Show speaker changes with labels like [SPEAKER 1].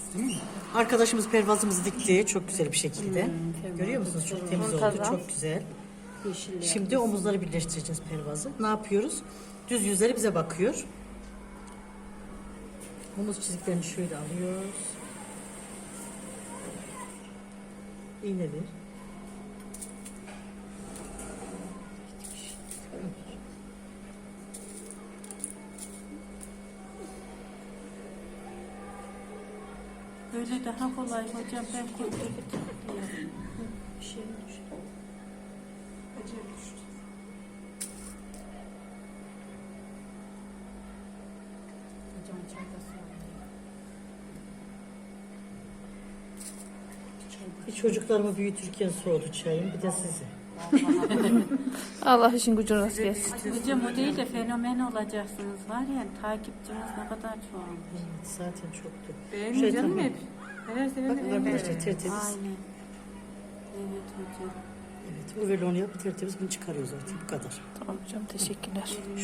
[SPEAKER 1] Arkadaşımız pervazımızı dikti çok güzel bir şekilde. Görüyor musunuz? Çok temiz oldu,
[SPEAKER 2] Muntazam.
[SPEAKER 1] çok güzel. Şimdi omuzları birleştireceğiz pervazı. Ne yapıyoruz? Düz yüzleri bize bakıyor. Omuz çiziklerini şöyle alıyoruz. İğnedir.
[SPEAKER 3] Böyle daha kolay hocam, ben kurdum. Bir şey düştü. Acayip düştü. Hocam çayda
[SPEAKER 1] Bir çocuklarımı büyütürken soğudu çayım, bir de sizi.
[SPEAKER 2] Allah işin gücünü rast gelsin.
[SPEAKER 3] Hocam o değil de fenomen olacaksınız var ya, takipçiniz ne kadar çok.
[SPEAKER 1] Evet, zaten çoktu.
[SPEAKER 3] Beğenmiyor canım
[SPEAKER 1] tamam.
[SPEAKER 3] hep. Her sefer
[SPEAKER 1] Bakın arkadaşlar tertemiz.
[SPEAKER 3] Aynen. Evet hocam.
[SPEAKER 1] Evet, overlock yapıp tertemiz bunu çıkarıyoruz artık bu kadar.
[SPEAKER 2] Tamam hocam, teşekkürler.